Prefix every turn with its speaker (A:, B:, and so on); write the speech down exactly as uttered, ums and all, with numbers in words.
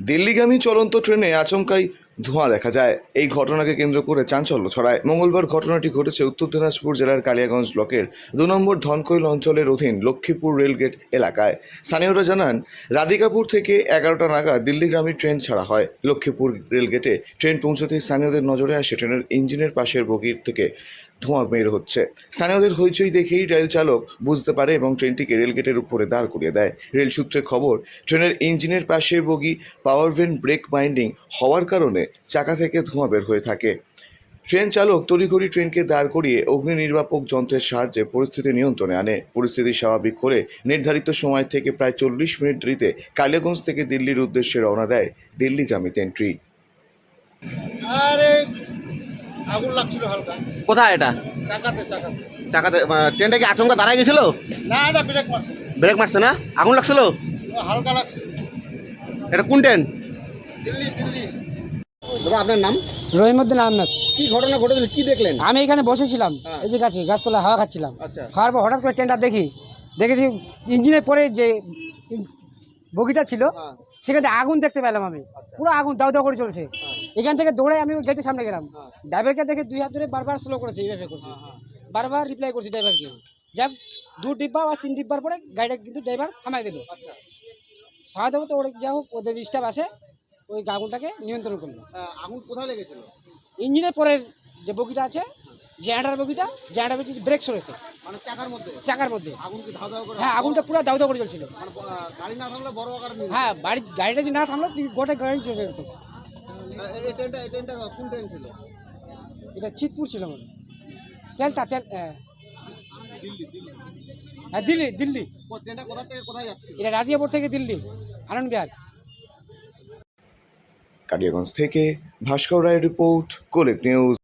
A: দিল্লিগামী চলন্ত ট্রেনে আচমকাই ধোঁয়া দেখা যায়। এই ঘটনাকে কেন্দ্র করে চাঞ্চল্য ছড়ায়। মঙ্গলবার ঘটনাটি ঘটেছে উত্তর দিনাজপুর জেলার কালিয়াগঞ্জ ব্লকের দু নম্বর ধনকৈল অঞ্চলের অধীন লক্ষ্মীপুর রেলগেট এলাকায়। স্থানীয়রা জানান, রাধিকাপুর থেকে এগারোটা নাগাদ দিল্লিগামী ট্রেন ছাড়া হয়। লক্ষ্মীপুর রেলগেটে ট্রেন পৌঁছতেই স্থানীয়দের নজরে আসে ট্রেনের ইঞ্জিনের পাশের বগির থেকে ধোঁয়া বের হচ্ছে। স্থানীয়দের হইচই দেখেই রেল চালক বুঝতে পারে এবং ট্রেনটিকে রেলগেটের উপরে দাঁড় করিয়ে দেয়। রেল সূত্রে খবর, ট্রেনের ইঞ্জিনের পাশের bogie power van brake binding হওয়ার কারণে চাকা থেকে ধোঁয়া বের হয়ে থাকে। ট্রেন চালক তড়িঘড়ি ট্রেনকে দাঁড় করিয়ে অগ্নি নির্বাপক যন্ত্রের সাহায্যে পরিস্থিতি নিয়ন্ত্রণে আনে। পরিস্থিতি স্বাভাবিক হলে নির্ধারিত সময় থেকে প্রায় চল্লিশ মিনিট দেরিতে কালিয়াগঞ্জ থেকে দিল্লির উদ্দেশ্যে রওনা দেয় দিল্লিগামী ট্রেনটি।
B: আরে আগুন লাগছিল হালকা।
C: কোথায় এটা?
B: চাকাতে চাকাতে
C: চাকাতে আহ, ট্রেনটা কি আচমকা দাঁড়ায় গেছিল?
B: না না ব্রেক মারছে।
C: ব্রেক মারছে না? আগুন লাগছিল?
B: ও হালকা লাগছে।
C: এটা কোন ট্রেন?
B: দিল্লি দিল্লি
C: দাদা, আপনার নাম?
D: রহিমউদ্দিন আহমেদ।
C: কি ঘটনা ঘটেছিল, কি দেখলেন?
D: আমি এখানে বসেছিলাম,
C: হ্যাঁ।
D: এই যে গাছে গাছতলায় হাওয়া খাচ্ছিলাম।
C: আচ্ছা।
D: খাওয়ার পর হঠাৎ করে ট্রেনটা দেখি দেখেছি ইঞ্জিনের পরে যে ইন- বগিটা ছিল
C: হ্যাঁ।
D: সেখানে আগুন দেখতে পেলাম আমি।
C: আচ্ছা।
D: পুরো আগুন দাউ দাউ করে চলছে।
C: হ্যাঁ।
D: এখান থেকে দৌড়ে আমি ওই গেটের সামনে গেলাম।
C: হ্যাঁ।
D: ড্রাইভারকে দেখে দুই হাত ধরে বারবার স্লো করেছে, এইভাবে করছি,
C: হ্যাঁ, হ্যাঁ।
D: বারবার রিপ্লাই করছি ড্রাইভারকে। যাক, দু ডিব্বা বা তিন ডিব্বার পরে গাড়িটা কিন্তু ড্রাইভার থামাই দিল।
C: আচ্ছা।
D: থামাই দেবো তো ওর যা হোক ওদের স্টাফ আসে, ওই আগুনটাকে নিয়ন্ত্রণ করলো।
C: আহ, আগুন কোথায় লেগেছিল?
D: ইঞ্জিনের পরের যে বগিটা আছে, জেনারেটার বগিটা, জেনারেটার বগি ব্রেক সরেছে
C: মানে চাকার মধ্যে?
D: চাকার মধ্যে।
C: আগুন কি ধাও ধাও করে?
D: হ্যাঁ, আগুনটা পুরো দাউ দাউ করে চলছিল।
C: মানে আহ, গাড়ি না থাকলে বড় আকার নিয়ে।
D: হ্যাঁ, বাড়ি গাড়িটা যদি না থামলো তুই গোটা গাড়ি চলে যেত।
C: এই ট্রেনটা এই ট্রেনটা কোন ট্রেন ছিল?
D: এটা চিতপুর ছিল মনে হয়। তেলটা তেল হ্যাঁ
C: দিল্লি দিল্লি
D: হ্যাঁ, দিল্লি দিল্লি
C: ও, ট্রেনটা কোথা থেকে কোথায় যাচ্ছিল?
D: এটা রাধিয়াপুর থেকে দিল্লি আনন্দ বিহার।
A: কালিয়াগঞ্জ থেকে ভাস্কর রায়ের রিপোর্ট, কোলেক নিউজ।